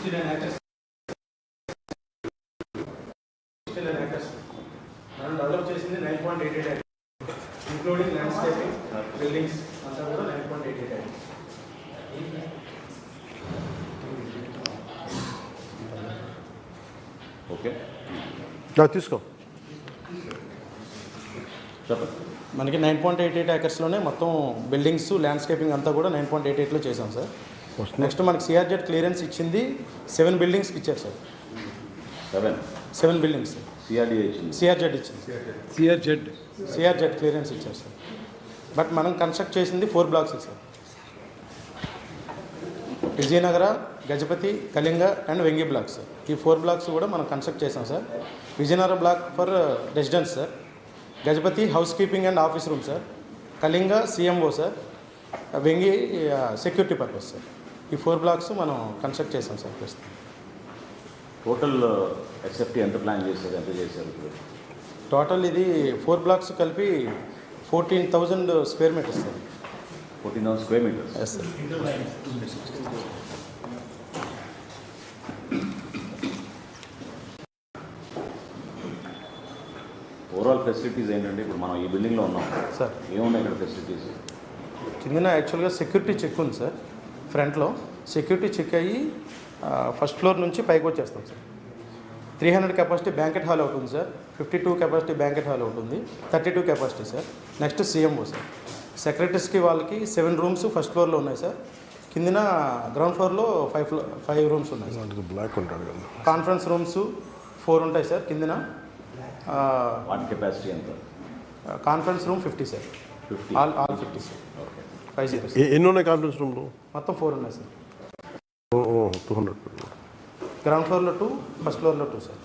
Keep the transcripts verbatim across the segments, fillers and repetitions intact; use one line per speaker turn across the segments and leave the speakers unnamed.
Sixty nine acres sixty nine acres మనం develop చేసింది nine point eight eight acres including landscaping buildings అంతా కూడా nine point eight eight acres.
Okay
తీసుకో
చెప్పండి.
మనకి నైన్ పాయింట్ ఎయిట్ ఎయిట్ ఏకర్స్లోనే మొత్తం బిల్డింగ్స్ ల్యాండ్స్కేపింగ్ అంతా కూడా నైన్ పాయింట్ ఎయిట్ ఎయిట్లో చేసాం సార్. నెక్స్ట్ మనకి సిఆర్జెడ్ క్లియరెన్స్ ఇచ్చింది సెవెన్ బిల్డింగ్స్కి ఇచ్చారు sir.
Seven
seven buildings
CRDA ఇచ్చింది.
సిఆర్జెడ్ ఇచ్చింది
సిఆర్జెడ్
సిఆర్జెడ్ క్లియరెన్స్ ఇచ్చారు సార్. బట్ మనం కన్స్ట్రక్ట్ చేసింది four blocks sir. Vijayanagara, Gajapati, Kalinga and Vengi blocks sir. ఈ ఫోర్ బ్లాక్స్ కూడా మనం కన్స్ట్రక్ట్ చేసాం sir. Vijayanagara block for residence sir, Gajapati house keeping and office room sir, Kalinga CMO sir, Vengi security purpose sir. ఈ four blocks మనం construct చేసాం sir ప్రస్తుతం.
టోటల్ ఎస్ఎఫ్టీ ఎంత plan చేశారు, ఎంత చేశారు ఇప్పుడు?
టోటల్ ఇది ఫోర్ బ్లాక్స్ కలిపి fourteen thousand square metres sir.
Fourteen thousand square metres.
Yes sir.
Overall facilities ఏంటంటే ఇప్పుడు మనం ఈ బిల్డింగ్లో ఉన్నాం
సార్.
ఏమున్నాయి ఇక్కడ ఫెసిలిటీస్?
కిందన యాక్చువల్గా సెక్యూరిటీ చెక్ ఉంది సార్. ఫ్రంట్లో సెక్యూరిటీ చెక్ అయ్యి ఫస్ట్ ఫ్లోర్ నుంచి పైకి వచ్చేస్తాం sir. Three hundred capacity banquet hall అవుతుంది sir. Fifty two capacity banquet hall అవుతుంది. Thirty two capacity sir. Next CMO sir. సెక్రటరీస్కి వాళ్ళకి సెవెన్ రూమ్స్ ఫస్ట్ ఫ్లోర్లో ఉన్నాయి సార్. కిందన గ్రౌండ్ ఫ్లోర్లో ఫైవ్ ఫ్లో ఫైవ్ రూమ్స్ ఉన్నాయి సార్.
బ్లాక్ ఉంటాడు కదా.
కాన్ఫరెన్స్ రూమ్స్ ఫోర్ ఉంటాయి సార్. కిందన
వాటి కెపాసిటీ ఎంత?
Conference room fifty sir.
Fifty
all all fifty sir.
Okay.
Five zero
ఎన్ని ఉన్నాయి కాన్ఫరెన్స్ రూమ్లో?
మొత్తం ఫోర్ ఉన్నాయి సార్.
టూ హండ్రెడ్
గ్రౌండ్ ఫ్లోర్లో టూ, ఫస్ట్ ఫ్లోర్లో two sir.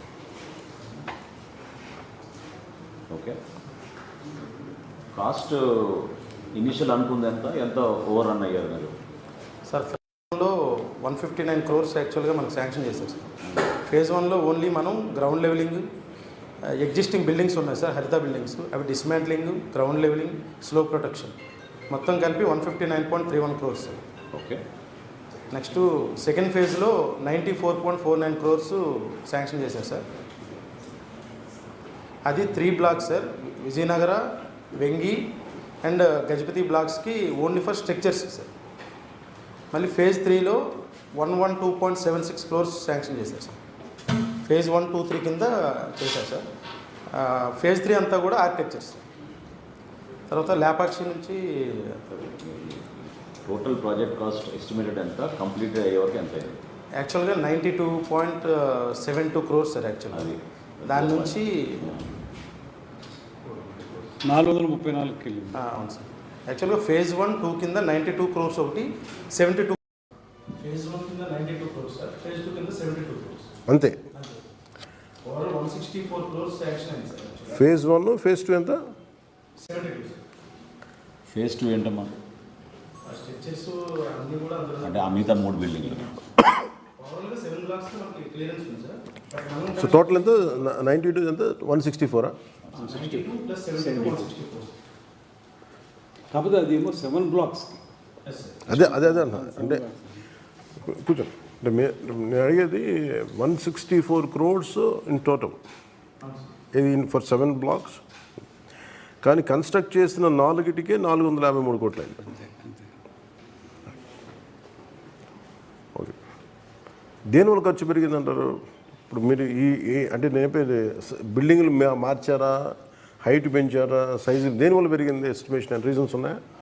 Okay. Cost initial అనుకుంది ఎంత, ఎంత ఓవర్ రన్ అయ్యారు మీరు?
సార్ ఫేజ్ వన్లో వన్ ఫిఫ్టీ నైన్ క్రోర్స్ యాక్చువల్గా మనకు శాంక్షన్ చేశారు సార్. ఫేజ్ వన్లో ఓన్లీ మనం గ్రౌండ్ లెవెలింగ్, ఎగ్జిస్టింగ్ బిల్డింగ్స్ ఉన్నాయి సార్, హరిత బిల్డింగ్స్, అవి dismantling, ground levelling, slope protection మొత్తం కలిపి one fifty nine point three one crores sir.
Okay.
Next second ఫేజ్లో ninety four point four nine crores sanction చేశారు sir. అది three blocks sir. Vijayanagara, Vengi and Gajapati బ్లాక్స్కి only for structures sir. మళ్ళీ phase త్రీలో one one two point seven six crores sanction చేశారు sir. Phase one two three కింద చేశారు sir. Phase three అంతా కూడా ఆర్కిటెక్చర్స్. తర్వాత లేపాక్షి నుంచి
టోటల్ ప్రాజెక్ట్ కాస్ట్ ఎస్టిమేటెడ్ ఎంత, కంప్లీట్ అయ్యే వరకు ఎంత అయింది?
యాక్చువల్గా ninety two point seven two crores sir. యాక్చువల్గా
అది
దాని నుంచి
నాలుగు వందల ముప్పై నాలుగు కిలో.
అవును సార్. యాక్చువల్గా ఫేజ్ వన్ టూ కింద నైంటీ టూ క్రోర్స్ ఒకటి, సెవెంటీ టూ ఫేజ్ వన్ కింద ninety two crores sir. Phase two కింద సెవెంటీ టూ క్రోర్స్
అంతే.
Overall one sixty four crores sanction అయింది sir.
Phase one phase two ఎంత?
Seventy two sir.
Phase two ఏంటమ్మా?
Structures అన్నీ కూడా అందులో
అంటే ఆ మిగతా మూడు బిల్డింగ్లు
ఓవరాల్గా సెవెన్ బ్లాక్స్ మనకి క్లియరెన్స్ ఉంది సార్. బట్ మనం
సో టోటల్ ఎంత? నైంటీ టూ ఎంత? వన్ సిక్స్టీ ఫోరా?
Ninety two plus seventy two one sixty four.
కాకపోతే అది ఏమో సెవెన్ బ్లాక్స్కి.
Yes sir.
అదే అదే అదే అన్న. అంటే కూర్చోండి. అంటే మే నేను అడిగేది one sixty four crores in total, ఇది ఫర్ సెవెన్ బ్లాక్స్. కానీ కన్స్ట్రక్ట్ చేసిన నాలుగిటికే నాలుగు వందల యాభై మూడు కోట్లు అయింది. ఓకే. దేనివల్ల ఖర్చు పెరిగిందంటారు? ఇప్పుడు మీరు ఈ ఈ- అంటే నేను చెప్పేది బిల్డింగ్లు మార్చారా, హైట్ పెంచారా, సైజు దేనివల్ల పెరిగింది? ఎస్టిమేషన్ అండ్ రీజన్స్ ఉన్నాయా?